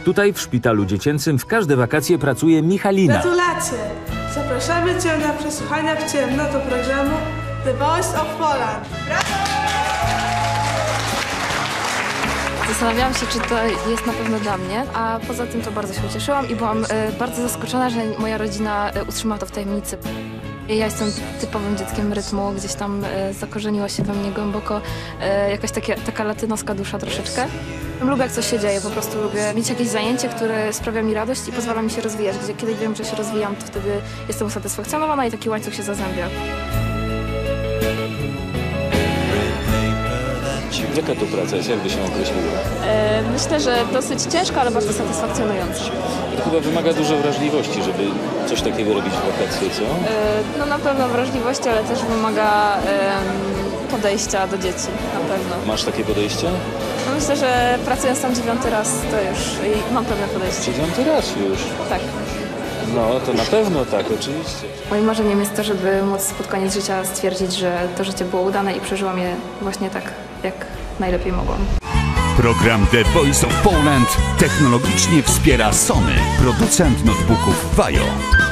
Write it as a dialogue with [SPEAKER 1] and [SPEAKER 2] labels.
[SPEAKER 1] Tutaj w szpitalu dziecięcym w każde wakacje pracuje Michalina.
[SPEAKER 2] Gratulacje! Zapraszamy Cię na przesłuchania w ciemno do programu The Voice of Poland.
[SPEAKER 3] Zastanawiałam się, czy to jest na pewno dla mnie, a poza tym to bardzo się ucieszyłam i byłam bardzo zaskoczona, że moja rodzina utrzymała to w tajemnicy. Ja jestem typowym dzieckiem rytmu, gdzieś tam zakorzeniła się we mnie głęboko jakaś taka latynoska dusza troszeczkę. Lubię, jak coś się dzieje, po prostu lubię mieć jakieś zajęcie, które sprawia mi radość i pozwala mi się rozwijać. Kiedy wiem, że się rozwijam, to wtedy jestem usatysfakcjonowana i taki łańcuch się zazębia.
[SPEAKER 4] Jaka to praca jest? Jak by się określiła?
[SPEAKER 3] Myślę, że dosyć ciężka, ale bardzo satysfakcjonująca.
[SPEAKER 4] To chyba wymaga dużo wrażliwości, żeby coś takiego robić w wakacje, co?
[SPEAKER 3] No na pewno wrażliwości, ale też wymaga podejścia do dzieci, na pewno.
[SPEAKER 4] Masz takie podejście?
[SPEAKER 3] No myślę, że pracując tam 9. raz, to już mam pewne podejście.
[SPEAKER 4] 9. raz już.
[SPEAKER 3] Tak.
[SPEAKER 4] No, to na pewno tak, oczywiście.
[SPEAKER 3] Moim marzeniem jest to, żeby móc pod koniec życia stwierdzić, że to życie było udane i przeżyłam je właśnie tak, jak najlepiej mogłam.
[SPEAKER 5] Program The Voice of Poland technologicznie wspiera Sony, producent notebooków Vajo.